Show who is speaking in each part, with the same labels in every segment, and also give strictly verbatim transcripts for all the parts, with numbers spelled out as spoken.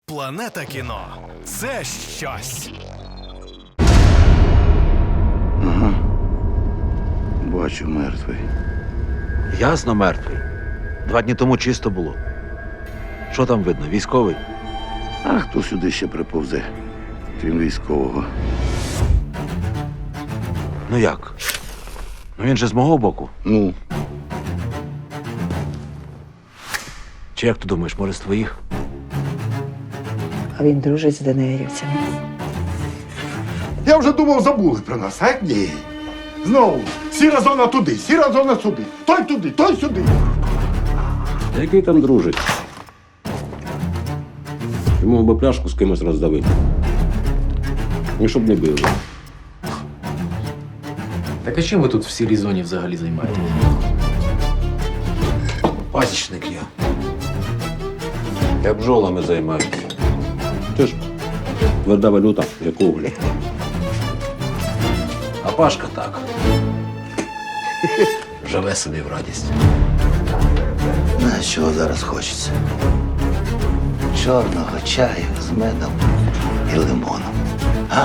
Speaker 1: Планета кіно – це щось.
Speaker 2: Ага. Бачу, мертвий.
Speaker 3: Ясно, мертвий. Два дні тому чисто було. Що там видно? Військовий?
Speaker 2: А хто сюди ще приповзе, крім військового?
Speaker 3: Ну як? Ну він же з мого боку.
Speaker 2: Ну,
Speaker 3: Чи як ти думаєш, може з твоїх?
Speaker 4: А він дружить з денеївцями.
Speaker 5: Я вже думав, забули про нас, а ні. Знову, сіра зона туди, сіра зона сюди. Той туди, той сюди.
Speaker 6: Який там дружить? Йому би пляшку з кимось роздавити. І щоб не били.
Speaker 7: Так а чим ви тут в сірій зоні взагалі займаєтесь?
Speaker 3: Пасічник я. Я бджолами займаюся.
Speaker 6: Ти ж тверда валюта, як уголь.
Speaker 3: А Пашка так. Живе собі в радість.
Speaker 2: на чого зараз хочеться? Чорного чаю з медом і лимоном. А?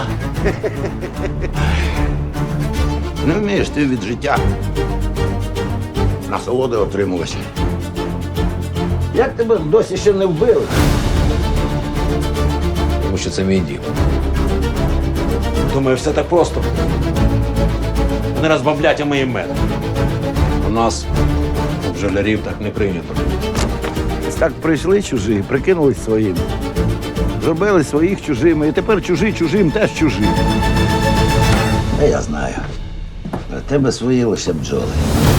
Speaker 2: Не вмієш ти від життя насолоди отримувати. Як тебе досі ще не вбили?
Speaker 3: Тому що це мій дім. Думаю, все так просто. Вони розбавлять, а ми їм мед. У нас, у бджолярів, так не прийнято.
Speaker 2: Так прийшли чужі, прикинулись своїм. Зробили своїх чужими, і тепер чужі чужим теж чужі. А я знаю. Про тебе свої лише бджоли.